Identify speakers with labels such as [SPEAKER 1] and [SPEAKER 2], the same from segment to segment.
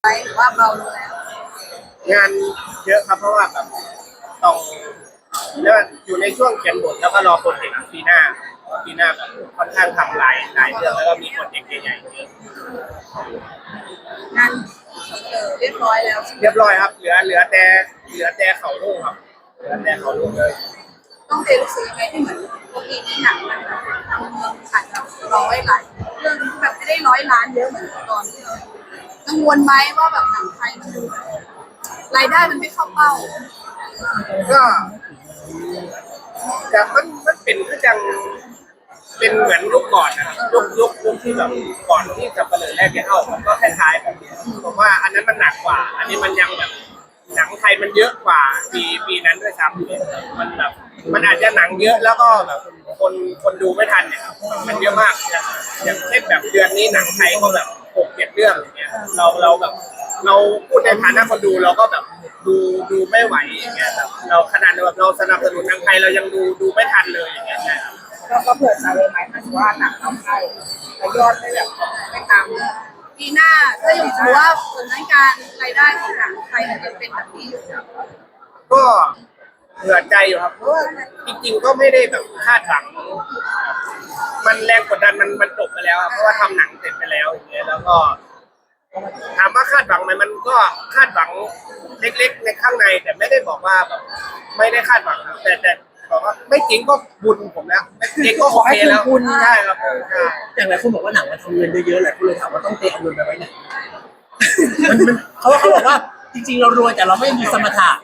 [SPEAKER 1] หรือว่าเบาลงแล้ว
[SPEAKER 2] งานเยอะครับเพราะว่าแบบต้องเรียกว่าอยู่ในช่วงเขียนบทแล้วก็รอโปรเจกต์ปีหน้าแบบค่อนข้างทำหลายเรื่องแล้วก็มีโปรเจกต์ใหญ่ๆเยอะ
[SPEAKER 1] งานเรียบร้อยแล้วใช่ไหม
[SPEAKER 2] เรียบร้อยครับเหลือแต่เขาลูกครับเหลือแต่เขาลูกเลย
[SPEAKER 1] ต้องเรียนรู้สึกยังไงที่เหมือนปกตินี้หนังมันแบบทำเงินขาดแบบร้อยหลายเรื่องที่แบบไม่ได้100 ล้านเยอะเหมือนตอนที่เรากังวลไหมว่าแบบหนังไทยมันดูแบบรายได้มันไม่เข้าเป้า
[SPEAKER 2] ก็แต่มันเป็นก็ยังเป็นเหมือนยุคก่อนนะครับยุคที่แบบก่อนที่จะเปิดแรกที่เข้าผมก็คล้ายๆแบบนี้ผมว่าอันนั้นมันหนักกว่าอันนี้มันยังแบบหนังไทยมันเยอะกว่าปีนั้นด้วยซ้ำมันแบบมันอาจจะหนังเยอะแล้วก็แบบคนดูไม่ทันเนี่ยมันเยอะมากอย่างเช่นแบบเดือนนี้หนังไทยก็แบบ6-7 เรื่องอย่างเงี้ยเราแบบเราพูดในฐานะคนดูเราก็แบบดูไม่ไหวอย่างเงี้ยแบบเราขนาดแบบเราสนับสนุนหนังไทยเรายังดูไม่ทันเลยอย่างเงี้ยนะครับ
[SPEAKER 1] ก็เผื่อใจไว้ไหมมันว่าหนังเข้าไทยแต่ยอดไม่แบบไม่ตามปีหน้าถ้าอยู่ถือว่าผลการรายได้ของหนังไทยมันจะเป็นแบบนี้อยู่
[SPEAKER 2] ก็เหนื่อยใจอยู่ครับเพราะว่าจริงๆก็ไม่ได้แบบคาดหวังมันแรงกดดันมันจบไปแล้วเพราะว่าทำหนังเสร็จไปแล้วอย่างเงี้ยแล้วก็ถามว่าคาดหวังไหมมันก็คาดหวังเล็กๆในข้างในแต่ไม่ได้บอกว่าแบบไม่ได้คาดหวังแต่บอกว่าไม่จริงก็บุญผมแล้วไม่จริงก็โอเคแล้ว
[SPEAKER 3] บุญ
[SPEAKER 2] ใช่ครับ
[SPEAKER 3] อย่างไรคนบอกว่าหนังมันทำเงินได้เยอะแหละคุณเลยถามว่าต้องเตะเอาเงินไปไว้ไหนมันเขาบอกว่าจริงๆเรารวยแต่เราไม่มีสมถะ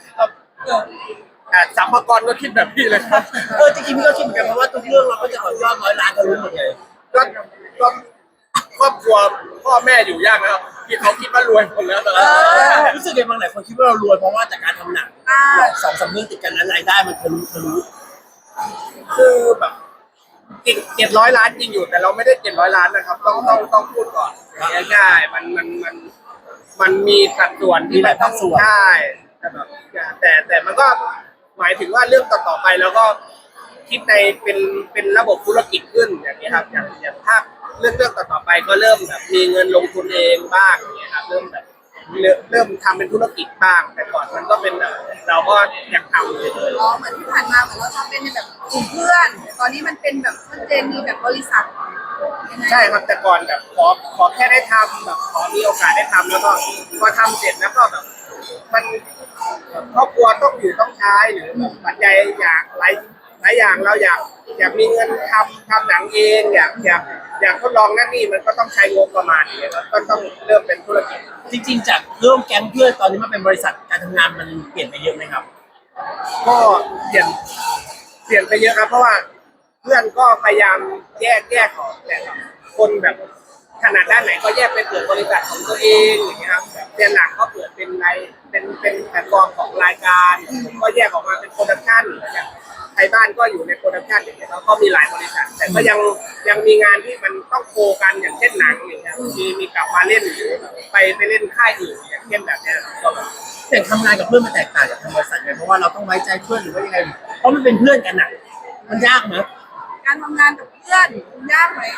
[SPEAKER 2] สัมภากรก็คิดแบบพี่เลยครับ
[SPEAKER 3] จริงๆพี่ก็คิดเหมือนกันเพราะว่าทุกเรื่องเราก็จะขอยอด100 ล้านกันรู้หมดเลย
[SPEAKER 2] ก็ครอบครัวพ่อแม่อยู่ยากนะครับที่เขาคิดว่ารวยหมดแล้วตอนนั้น
[SPEAKER 3] รู้สึกยังไงบางหลายคนคิดว่าเรารวยเพราะว่าจากการทำหนัง2-3 เรื่องติดกันนั้นรายได้มันทะลุ
[SPEAKER 2] คือแบบจริง700 ล้านจริงอยู่แต่เราไม่ได้700 ล้านนะครับต้องพูดก่อนใช่มันมีสัดส่วนที่แบบต้องใช่แต่แบบแต่มันก็หมายถึงว่าเรื่องต่อไปแล้วก็คิดในเป็นระบบธุรกิจขึ้นอย่างนี้ครับอย่างถ้าเรื่องต่อไปก็เริ่มแบบมีเงินลงทุนเองบ้างอย่างเงี้ยครับเริ่มทำเป็นธุรกิจบ้างแต่ก่อนมันก็เป็นแบบเราก็อยากทำเลย
[SPEAKER 1] เหมือนที่ผ่านมาเหมือนเราทำเป็นแบบกลุ่มเพื่อนตอนนี้มันเป็นแบบชัดเจนมีแบบบริษัท
[SPEAKER 2] ใช่ครับแต่ก่อนแบบขอแค่ได้ทำแบบขอมีโอกาสได้ทำแล้วก็พอทำเสร็จแล้วก็แบบมันครอบครัวต้องอยู่ต้องใช้หรือแบบปัจจัยอย่างหลายอย่างเราอยากมีเงินทำหนังเองอยากทดลองนั่นนี่มันก็ต้องใช้งบประมาณอย่างเงี้ยก็ต้องเริ่มเป็นธุรกิจ
[SPEAKER 3] จริงๆจากเริ่มแก๊งเพื่อนตอนนี้มาเป็นบริษัทการทำงานมันเปลี่ยนไปเยอะไหมครับ
[SPEAKER 2] ก็เปลี่ยนไปเยอะครับเพราะว่าเพื่อนก็พยายามแยกออกแต่คนแบบขนาดด้านไหนก็แยกไปเปิดบริษัทของตัวเองอย่างเงี้ยครับเรียนหลักก็เปิดเป็นแพลตฟอร์มของรายการผมก็แยกออกมาเป็นโปรดักชั่นอย่างไทยบ้านก็อยู่ในโปรดักชั่นอย่างเงี้ยแล้วก็มีหลายบริษัทแต่ก็ยังมีงานที่มันต้องโคกันอย่างเช่นหนังอย่างเงี้ยมีกลับมาเล่นหรือไปเล่นค่ายอื่นอย่างเช่นแบบเนี้ยก็แบบ
[SPEAKER 3] แต่ทำงานกับเพื่อนมันแตกต่างจากทำบริษัทไงเพราะว่าเราต้องไว้ใจเพื่อนหรือว่ายังไงเพราะมันเป็นเพื่อนกันน่ะมันยากไหม
[SPEAKER 1] การทำงานกับเพื่อนยากไหม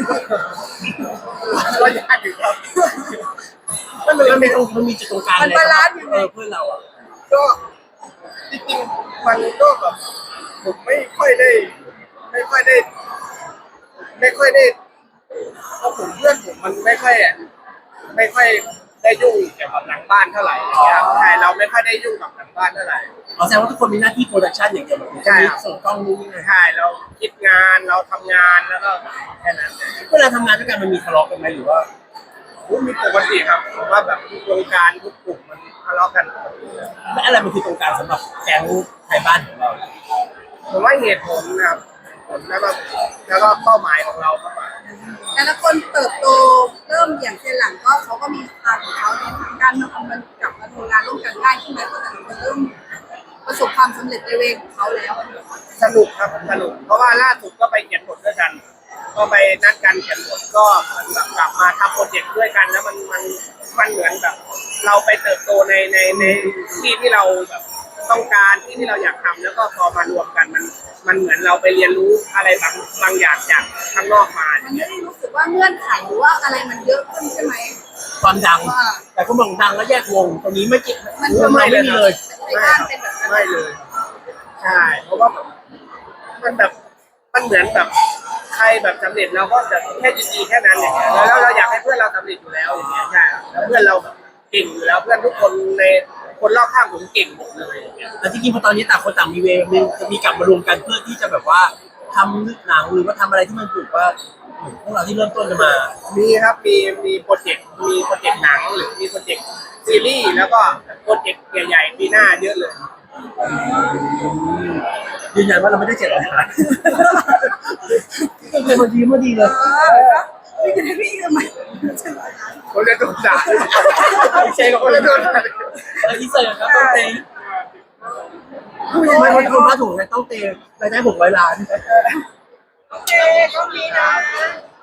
[SPEAKER 2] ก็ยากอยู่ครับ
[SPEAKER 3] มันมีจุดตรงกลาง
[SPEAKER 1] มันบาลานซ์ยังไง
[SPEAKER 3] เพื่อนเราอ่ะ
[SPEAKER 2] ก็จริงๆมันก็แบบผมไม่ค่อยได้เพราะผมเพื่อนผมมันไม่ค่อยได้ยุ่งเกี่ยวกับหลังบ้านเท่าไหร่อย่างเงี้ยใช่เราไม่ค่อยได้ยุ่งกับหลังบ้านเท่าไหร่
[SPEAKER 3] แสดงว่าทุกคนมีหน้าที่โปรดักชันอย่างเดียว
[SPEAKER 2] ใช่
[SPEAKER 3] ส่งกล้องนู่นนี่
[SPEAKER 2] ใช่เราคิดงานเราทำงานแล้วก็แค่นั้น
[SPEAKER 3] เวลาทำงานด้วยกันมันมีทะเลาะกันไหมหรือว่า
[SPEAKER 2] มีปกติครับผมว่าแบบทุกวงการทุกกลุ่มมันทะเลาะกัน
[SPEAKER 3] และอะไรมันคือตรงกลางสำหรับแก๊งไทยบ้านของเรา
[SPEAKER 2] ผมว่าเหตุผลนะครับผลแล้วก็เป้าหมายของเราครับ
[SPEAKER 1] แต่ละคนเติบโตเริ่มอย่างเช่นหลังก็เขาก็มีทางของเขาในทางการมาทำมันกลับมาทำงานร่วมกันได้ใช่ไหมเพราะแต่ละคนเริ่มประสบความสำเร็จในเวของเขาแล้ว
[SPEAKER 2] สนุกครับสนุกเพราะว่าล่าสุดก็ไปเขียนบทด้วยกันก็ไปนัดกันเขียนบทก็มันแบบกลับมาทำโปรเจกต์ด้วยกันแล้วมันเหมือนแบบเราไปเติบโตในที่เราแบบต้องการที่เราอยากทำแล้วก็พอมารวมกันมันเหมือนเราไปเรียนรู้อะไรบางอย่างจากข้างนอกมา
[SPEAKER 1] มันไม่ได้รู้สึกว่าเงื่อนไขหรือว่าอะไรมันเยอะขึ้นใช่ไหม
[SPEAKER 3] ความดัง แต่ก็มองดังแล้วแยกวงตรงนี้ไม่เกี่ยว
[SPEAKER 1] มัน
[SPEAKER 3] เราไม่มีเลย
[SPEAKER 1] ในบ้านเป็นแบบนั้น
[SPEAKER 2] ไม่เลยใช่เพราะว่าแบบมันแบบมันเหมือนแบบใครแบบสำเร็จเราก็จะแค่ยินดีแค่นั้นอย่างเงี้ยแล้วเราอยากให้เพื่อนเราสำเร็จอยู่แล้วอย่างเงี้ยใช่แล้วเพื่อนเราแบบเก่งอยู่แล้วเพื่อนทุกคนในคนรอบข้างผมเก่งหมดเลยอย่างเงี้ย
[SPEAKER 3] แต่จริงๆพอตอนนี้ต่างคนต่างมีเวรจะมีกลับมารวมกันเพื่อที่จะแบบว่าทำหนังหรือว่าทำอะไรที่มันถูกว่าพวกเราที่เริ่มต้นกันมา
[SPEAKER 2] มีครับมีโปรเจกต์หนังหรือมีโปรเจกต์ซีรีส์แล้วก็โปรเจกต์ใหญ่ๆปีหน้าเยอะเลย
[SPEAKER 3] ยืนยันว่าเราไม่ได้เจตนาเป็นคนดีมาดีเลย
[SPEAKER 1] พี่จะได้พี่ทำไม
[SPEAKER 2] คนจะโดนด่า
[SPEAKER 3] ไม่ใช่กับคน
[SPEAKER 2] จะ
[SPEAKER 3] ละ
[SPEAKER 2] โด
[SPEAKER 3] โด
[SPEAKER 2] น
[SPEAKER 3] น
[SPEAKER 2] ด่า
[SPEAKER 3] อินเสิร์ตครับต้องเตะไม่คนคนมาถูกเลยต้องเตะรายได้600 ล้าน
[SPEAKER 1] โอเคก็มีนะ